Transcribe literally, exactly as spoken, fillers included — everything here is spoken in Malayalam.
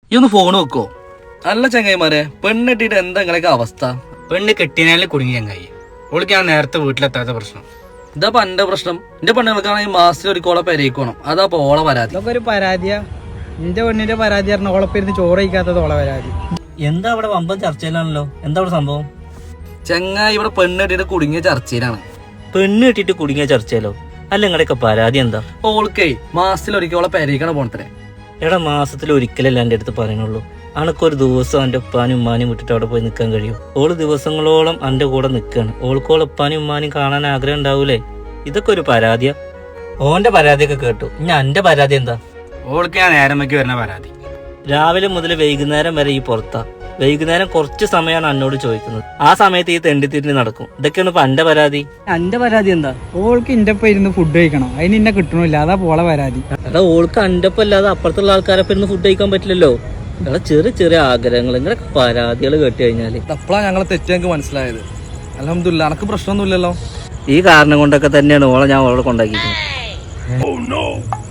ഈ ഒന്ന് ഫോൺ വെക്കോ? അല്ല ചങ്ങായിമാരെ, പെണ്ണെട്ടിട്ട് എന്താ നിങ്ങളൊക്കെ അവസ്ഥ? പെണ്ണ് കെട്ടിനാലും കുടുങ്ങി ചങ്ങായി. ഓൾക്ക് ഞാൻ നേരത്തെ വീട്ടിലെത്താത്ത പ്രശ്നം. ഇതാ എന്റെ പ്രശ്നം. എന്റെ പെണ്ണുങ്ങൾക്കാണെങ്കിൽ മാസത്തിൽ ഒരു കോള പെരയിക്കണം. അതാ ഓളെ പരാതി. ഇതൊക്കെ ഒരു പരാതിയാ. എന്റെ പെണ്ണിന്റെ പരാതി പറഞ്ഞ ഓളപ്പിരുന്ന് ചോറ് കഴിക്കാത്തത് ഓളെ പരാതി. എന്താ അവിടെ വമ്പൻ ചർച്ചയിലാണല്ലോ? എന്താ അവിടെ സംഭവം? ചങ്ങായി ഇവിടെ പെണ്ണെട്ടിട്ട് കുടുങ്ങിയ ചർച്ചയിലാണ്. പെണ്ണ് കെട്ടിട്ട് കുടുങ്ങിയ ചർച്ചയിലോ? അല്ല നിങ്ങളുടെയൊക്കെ പരാതി എന്താ? ഓൾക്കേ മാസത്തിൽ ഒരിക്കൽ ഓളെ പെരയിക്കണം പോണത്രേ. എടാ മാസത്തിൽ ഒരിക്കലല്ല എൻ്റെ അടുത്ത് പറയുന്നുള്ളൂ. അനക്കൊരു ദിവസം എൻ്റെ ഉപ്പാനും ഉമ്മാനും വിട്ടിട്ട് അവിടെ പോയി നിൽക്കാൻ കഴിയും? ഓള് ദിവസങ്ങളോളം എൻ്റെ കൂടെ നിൽക്കുകയാണ്. ഓൾക്കോളെ ഉപ്പാനും ഉമ്മാനും കാണാൻ ആഗ്രഹം ഉണ്ടാവൂലേ? ഇതൊക്കെ ഒരു പരാതിയാ? ഓന്റെ പരാതിയൊക്കെ കേട്ടു. ഞാൻ എൻ്റെ പരാതി എന്താ? ഓൾക്ക് ഞാൻ നേരം വയ്ക്ക് വരുന്ന പരാതി. രാവിലെ മുതൽ വൈകുന്നേരം വരെ ഈ പുറത്താ. വൈകുന്നേരം കുറച്ച് സമയമാണ് എന്നോട് ചോദിക്കുന്നത്. ആ സമയത്ത് ഈ തെണ്ടിത്തിരിഞ്ഞ് നടക്കും. ഇതൊക്കെയാണ് ഇപ്പൊ എന്റെ പരാതി. എന്റെ പരാതി എന്താ? ഓൾക്ക് ഇന്റെ ഒപ്പം ഇരുന്ന് ഫുഡ് കഴിക്കണം, അതിന് ഇന്നെ കിട്ടണില്ല, അതാ പോളെ പരാതി. എടാ ഓൾക്ക് എന്റെ ഒപ്പം അല്ലാതെ അപ്പുറത്തുള്ള ആൾക്കാരൊപ്പം ഇരുന്ന് ഫുഡ് കഴിക്കാൻ പറ്റില്ലല്ലോ. എടാ ചെറിയ ചെറിയ ആഗ്രഹങ്ങൾ, ഇങ്ങനെ പരാതികൾ കേട്ട് കഴിഞ്ഞാല് അപ്പളാ ഞങ്ങളെ തെറ്റ് ഞങ്ങൾക്ക് മനസ്സിലായത്. അൽഹംദുലില്ലാ, എനക്ക് പ്രശ്നമൊന്നുമില്ലല്ലോ. ഈ കാരണം കൊണ്ടൊക്കെ തന്നെയാണ് ഓളെ ഞാൻ ഓളെ കൊണ്ടാക്കിയിരിക്കുന്നത്.